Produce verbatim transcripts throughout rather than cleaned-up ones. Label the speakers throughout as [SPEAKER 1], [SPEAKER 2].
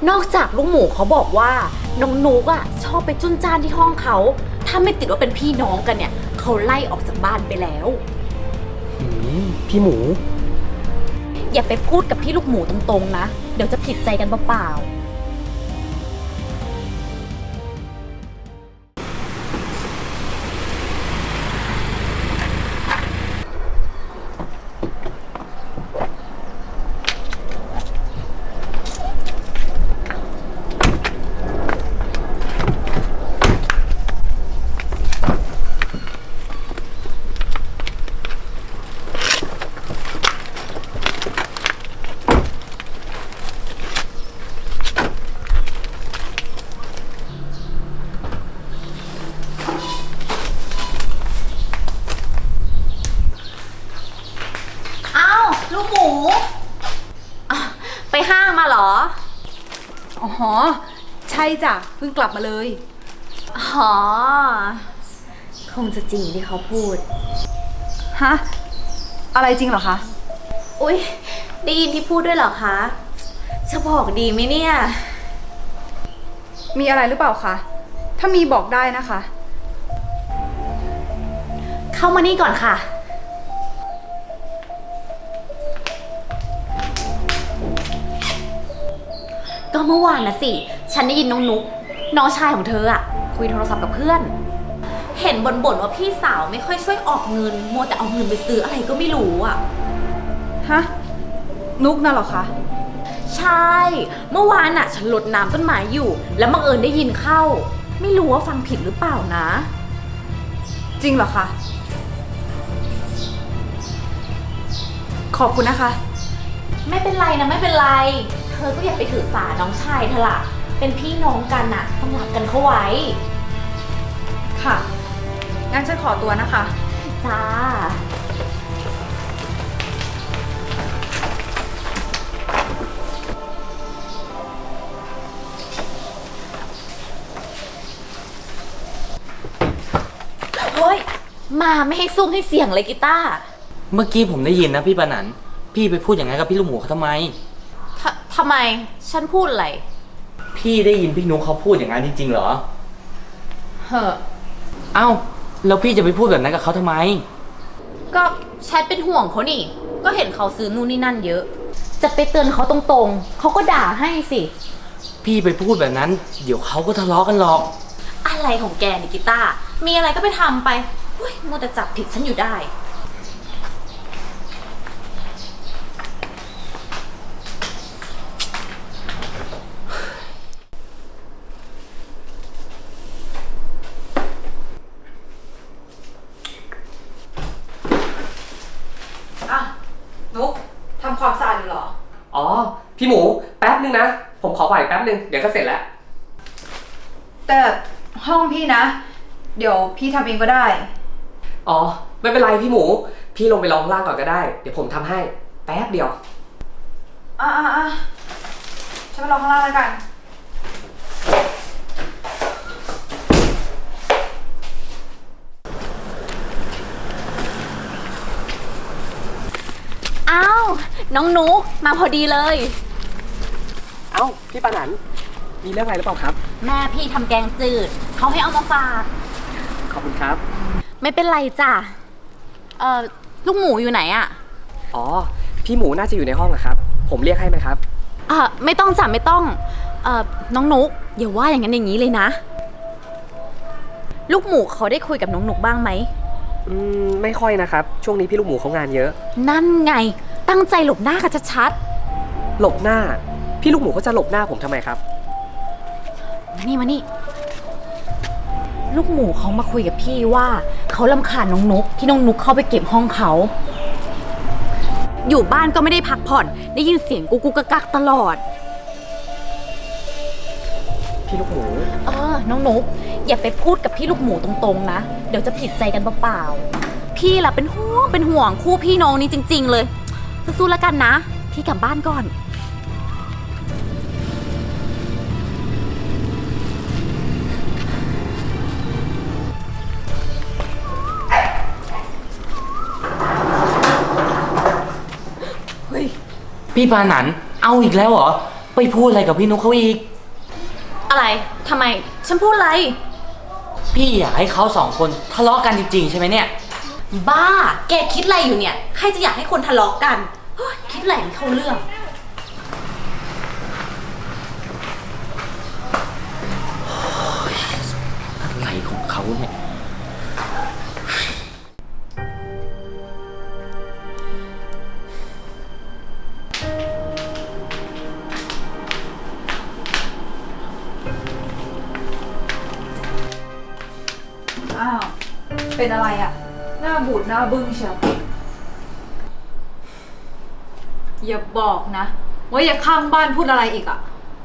[SPEAKER 1] นอกจากลูกหมูเขาบอกว่าน้องนุกอ่ะชอบไปจุนจ้านที่ห้องเขาถ้าไม่ติดว่าเป็นพี่น้องกันเนี่ยเขาไล่ออกจากบ้านไปแล้ว
[SPEAKER 2] พี่หมู
[SPEAKER 1] อย่าไปพูดกับพี่ลูกหมูตรงๆนะเดี๋ยวจะผิดใจกันเปล่าๆลูกหมูไปห้างมาเหรอ
[SPEAKER 3] อ๋อใช่จ้ะเพิ่งกลับมาเลย
[SPEAKER 1] อ๋อคงจะจริงที่เขาพูด
[SPEAKER 3] ฮะอะไรจริงเหรอคะ
[SPEAKER 1] อุ๊ยได้ยินที่พูดด้วยเหรอคะจะบอกดีไหมเนี่ย
[SPEAKER 3] มีอะไรหรือเปล่าคะถ้ามีบอกได้นะคะ
[SPEAKER 1] เข้ามานี่ก่อนค่ะก็เมื่อวานนะสิฉันได้ยินน้องนุ๊กน้องชายของเธออะคุยโทรศัพท์กับเพื่อนเห็นบ่นๆว่าพี่สาวไม่ค่อยช่วยออกเงินมัวแต่เอาเงินไปซื้ออะไรก็ไม่รู้อะ
[SPEAKER 3] ฮะนุ๊กน่ะเหรอคะ
[SPEAKER 1] ใช่เมื่อวานอะฉันรดน้ำต้นไม้อยู่แล้วบังเอิญได้ยินเข้าไม่รู้ว่าฟังผิดหรือเปล่านะ
[SPEAKER 3] จริงเหรอคะขอบคุณนะคะ
[SPEAKER 1] ไม่เป็นไรนะไม่เป็นไรเธอก็อย่าไปถือสาน้องชายเธอล่ะเป็นพี่น้องกันน่ะต้องรักกันเข้าไว้
[SPEAKER 3] ค่ะงั้นฉันขอตัวนะคะ
[SPEAKER 1] จ้าเฮ้ยมาไม่ให้ซุ่มให้เสียงเลยกีตาร์
[SPEAKER 2] เมื่อกี้ผมได้ยินนะพี่ปานันพี่ไปพูดอย่างนั้นกับพี่ลูกหมูเขาทำไม
[SPEAKER 1] ทำไมฉันพูดอะไร
[SPEAKER 2] พี่ได้ยินพี่นุ๊กเขาพูดอย่างนั้นจริงๆเหรอ
[SPEAKER 1] เฮ้อ
[SPEAKER 2] เอ้าแล้วพี่จะไปพูดแบบนั้นกับเขาทำไม
[SPEAKER 1] ก็ฉันเป็นห่วงเขานี่ก็เห็นเขาซื้อนู่นนี่นั่นเยอะจะไปเตือนเขาตรงๆเขาก็ด่าให้สิ
[SPEAKER 2] พี่ไปพูดแบบนั้นเดี๋ยวเขาก็ทะเลาะกันหรอก
[SPEAKER 1] อะไรของแกนี่กีตาร์มีอะไรก็ไปทำไปเฮ้ยมัวแต่จับผิดฉันอยู่ได้
[SPEAKER 3] นุ๊กทำความสะอาดอยู่เหรอ
[SPEAKER 4] อ๋อพี่หมูแป๊บนึงนะผมขอผ่านแป๊บนึงเดี๋ยวก็เสร็จแล้ว
[SPEAKER 3] แต่ห้องพี่นะเดี๋ยวพี่ทำเองก็ได้
[SPEAKER 4] อ๋อไม่เป็นไรพี่หมูพี่ลงไปรองล่างก่อนก็ได้เดี๋ยวผมทำให้แป๊บเดียว
[SPEAKER 3] อ่ะอ่ะอ่ะฉันไปรอข้างล่างแล้วกัน
[SPEAKER 1] อ้าวน้องนุ๊กมาพอดีเลย
[SPEAKER 4] เอ้าพี่ปานันมีเรื่องอะไรหรือเปล่าครับ
[SPEAKER 1] แม่พี่ทำแกงจืดเขาให้เอามาฝาก
[SPEAKER 4] ขอบคุณครับ
[SPEAKER 1] ไม่เป็นไรจ้ะเอ่อลูกหมูอยู่ไหนอะ
[SPEAKER 4] อ๋อพี่หมูน่าจะอยู่ในห้องอะครับผมเรียกให้ไหมครับ
[SPEAKER 1] อ่าไม่ต้องจ้ะไม่ต้องเอ่อน้องนุ๊กอย่าว่าอย่างนั้นอย่างนี้เลยนะลูกหมูเขาได้คุยกับน้องนุ๊กบ้างไหม
[SPEAKER 4] อืมไม่ค่อยนะครับช่วงนี้พี่ลูกหมูเขางานเยอะ
[SPEAKER 1] นั่นไงตั้งใจหลบหน้ากันชัด
[SPEAKER 4] ๆหลบหน้าพี่ลูกหมูเขาจะหลบหน้าผมทำไมครับ
[SPEAKER 1] มานี่มานี่ลูกหมูเขามาคุยกับพี่ว่าเขารำคาญน้องนุ๊กที่น้องนุ๊กเข้าไปเก็บห้องเขาอยู่บ้านก็ไม่ได้พักผ่อนได้ยินเสียงกุ๊กกุ๊กกักตลอด
[SPEAKER 4] พี่ลูกหมู
[SPEAKER 1] เออน้องนุ๊กอย่าไปพูดกับพี่ลูกหมูตรงๆนะเดี๋ยวจะผิดใจกันเปล่าๆพี่ล่ะเป็นห่วงเป็นห่วงคู่พี่น้องนี้จริงๆเลยสู้ๆแล้วกันนะพี่กลับบ้านก่อน
[SPEAKER 2] พี่ปานันเอาอีกแล้วเหรอไปพูดอะไรกับพี่นุ๊กเขาอีก
[SPEAKER 1] อะไรทำไมฉันพูดอะไร
[SPEAKER 2] พี่อยากให้เขาสองคนทะเลาะกันจริงๆใช่ไหมเนี่ย
[SPEAKER 1] บ้า แกคิดอะไรอยู่เนี่ย ใครจะอยากให้คนทะเลาะกันเฮ้ยคิดอะไรไม่เข้าเรื่อง
[SPEAKER 2] อะไรของเขาเนี่ย
[SPEAKER 3] อ้าว เป็นอะไรอะหน้าบูดหน้าบึ้งเชียวอย่าบอกนะ ว่าอย่าข้างบ้านพูดอะไรอีกอะ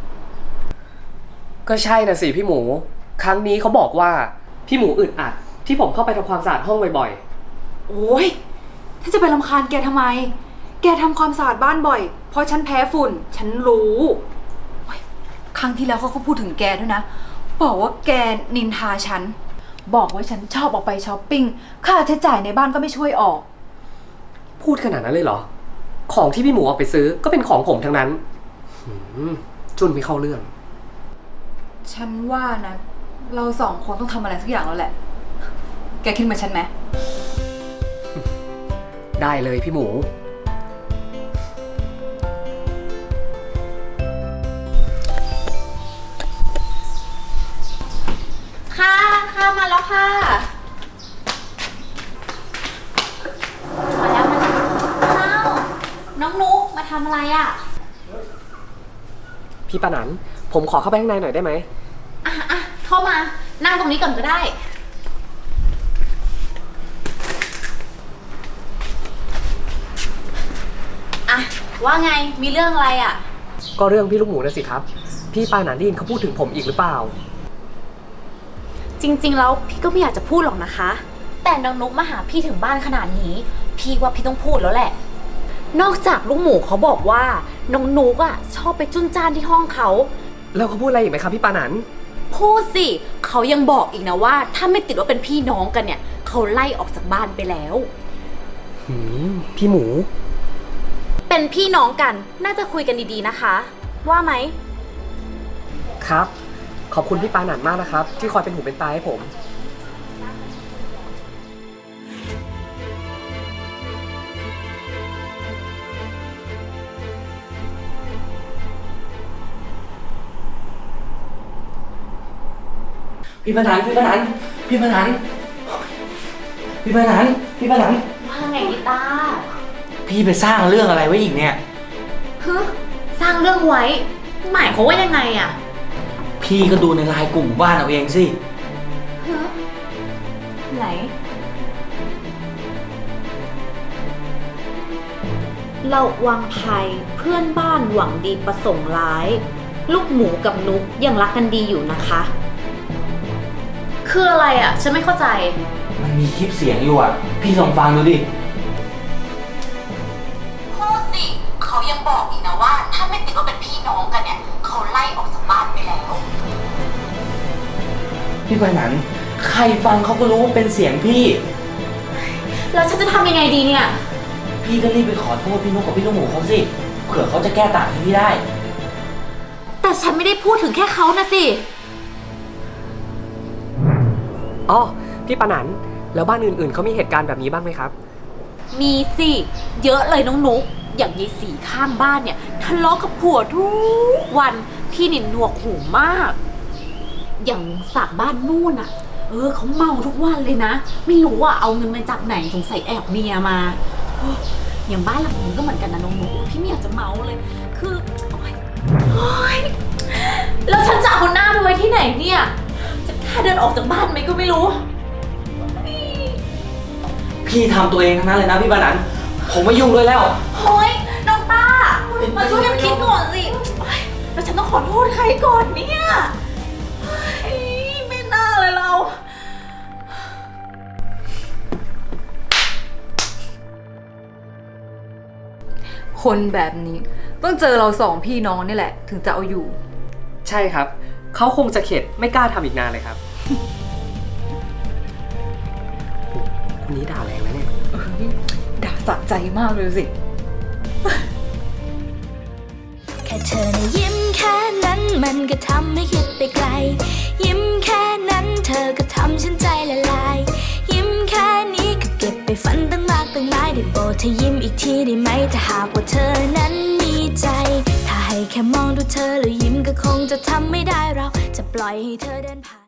[SPEAKER 4] ก็ใช่นะสิพี่หมู ครั้งนี้เขาบอกว่าพี่หมูอึดอัดที่ผมเข้าไปทำความสะอาดห้องบ่อย
[SPEAKER 3] โอ้ยถ้าจะไปรำคาญแกทำไม แกทำความสะอาดบ้านบ่อย เพราะฉันแพ้ฝุ่น ฉันรู้โอ๊ยครั้งที่แล้วเขาก็พูดถึงแกด้วยนะ บอกว่าแกนินทาฉัน บอกว่าฉันชอบออกไปช้อปปิ้ง ค่าใช้จ่ายในบ้านก็ไม่ช่วยออก
[SPEAKER 4] ๆ พูดขนาดนั้นเลยเหรอ ของที่พี่หมูเอาไปซื้อก็เป็นของผมทั้งนั้นหืมจุนไม่เข้าเรื่อง
[SPEAKER 3] ฉันว่านะ เราสองคนต้องทำอะไรสักอย่างแล้วแหละ แกคิดเหมือนฉันไหม
[SPEAKER 4] ได้เลยพี่หมู
[SPEAKER 1] ค่ะค่ะมาแล้วค่ะ มาแล้วมาแล้วอ้าวน้องนุ๊กมาทำอะไรอ่ะ
[SPEAKER 4] พี่ปานันผมขอเข้าไปข้างในหน่อยได้ไหม
[SPEAKER 1] อ่ะอ่ะเข้ามา นั่งตรงนี้ก่อนก็ได้ อ่ะ ว่าไง มีเรื่องอะไรอ่ะ
[SPEAKER 4] ก็เรื่องพี่ลูกหมูนะสิครับ พี่ปานันได้ยินเขาพูดถึงผมอีกหรือเปล่า
[SPEAKER 1] จริงๆ แล้วพี่ก็ไม่อยากจะพูดหรอกนะคะ แต่น้องนุ๊กมาหาพี่ถึงบ้านขนาดนี้ พี่ว่าพี่ต้องพูดแล้วแหละ นอกจากลูกหมูเขาบอกว่าน้องนุ๊กอ่ะชอบไปจุนจ้านที่ห้องเขา
[SPEAKER 4] แล้วเขาพูดอะไรอีกไหมครับพี่ปานัน
[SPEAKER 1] พูดสิเขายังบอกอีกนะว่า ถ้าไม่ติดว่าเป็นพี่น้องกันเนี่ยเขาไล่ออกจากบ้านไปแล้ว
[SPEAKER 4] หืมพี่หมู
[SPEAKER 1] เป็นพี่น้องกันน่าจะคุยกันดีๆนะคะ ว่าไหม
[SPEAKER 4] ครับ ขอบคุณพี่ปานันมากนะครับ ที่คอยเป็นหูเป็นตาให้ผม
[SPEAKER 2] พี่ปนันพี่ปนันพี่ปนันพี่ปนันพี่ปนัน
[SPEAKER 1] ว่าไงนิตา
[SPEAKER 2] พี่ไปสร้างเรื่องอะไรไว้อีกเนี่ย
[SPEAKER 1] ฮึสร้างเรื่องไว้ หมายเขามว่ายังไงอะ
[SPEAKER 2] พี่ก็ดูในไลน์กลุ่มบ้านเอาเองสิ
[SPEAKER 1] ฮึไหน เราวังภัยเพื่อนบ้านหวังดีประสงค์ร้าย ลูกหมูกับนุกยังรักกันดีอยู่นะคะ คืออะไรอ่ะ ฉันไม่เข้าใจ
[SPEAKER 2] มันมีคลิปเสียงอยู่อ่ะ พี่ลองฟังดูดิ
[SPEAKER 1] พูดสิเขายังบอกอีกนะว่า ถ้าไม่ติดว่าเป็นพี่น้องกันเนี่ยเขาไล่ออกจากบ้านไปแล้ว
[SPEAKER 2] พี่ปนันใครฟังเขาก็รู้ว่าเป็นเสียงพี่
[SPEAKER 1] แล้วฉันจะทำยังไงดีเนี่ย
[SPEAKER 2] พี่ก็รีบไปขอโทษพี่นุ๊กกับพี่ลูกหมูเขาสิ เผื่อเขาจะแก้ต่างให้พี่ได้
[SPEAKER 1] แต่ฉันไม่ได้พูดถึงแค่เขานะสิ
[SPEAKER 4] อ๋อ พี่ปานันแล้วบ้านอื่นๆเขามีเหตุการณ์แบบนี้บ้างไหมครับ
[SPEAKER 1] มีสิ เยอะเลยน้องนุ๊ก อย่างยายสีข้างบ้านเนี่ยทะเลาะกับผัวทุกวันพี่นินหนวกหูมาก อย่างสากบ้านนู่นอ่ะ เออเขาเมาทุกวันเลยนะ ไม่รู้ว่าเอาเงินมาจากไหนสงสัยแอบเมียมาโอ้ยอย่างบ้านหลังนี้ก็เหมือนกันนะน้องนุ๊กพี่ไม่อยากจะเมาเลย คือโอ๊ยโอ๊ยแล้วฉันจะเอาหน้าไปไว้ที่ไหนเนี่ย จะกล้าเดินออกจากบ้านไหมก็ไม่รู้
[SPEAKER 2] พี่ทำตัวเองทั้งนั้นเลยนะพี่ปนันผมไม่ยุ่งด้วยแล้ว
[SPEAKER 1] เฮ้ยน้องต้า มาช่วยกันคิดก่อนสิโอ๊ยแล้วฉันต้องขอโทษใครก่อนเนี่ยเฮ้ยไม่น่าเลยเรา
[SPEAKER 3] คนแบบนี้ต้องเจอเราสองพี่น้องนี่แหละ ถึงจะเอาอยู่
[SPEAKER 4] ใช่ครับ เขาคงจะเข็ดไม่กล้าทำอีกนานเลยครับ คนนี้ด่าแรงนะเนี่ย
[SPEAKER 3] ด่าสะใจมากเลยสิ
[SPEAKER 5] แค่เธอนะยิ้มแค่นั้นมันก็ทำให้คิดไปไกล ยิ้มแค่นั้นเธอก็ทำฉันใจละลาย ยิ้มแค่นี้ก็เก็บไปฝันตั้งมากตั้งหลายได้โปรดเธอยิ้มอีกทีได้ไหมถ้าหากว่าเธอนั้นมีใจ ถ้าให้แค่มองดูเธอแล้วยิ้มก็คงจะทำไม่ได้เราจะปล่อยให้เธอเดินผ่าน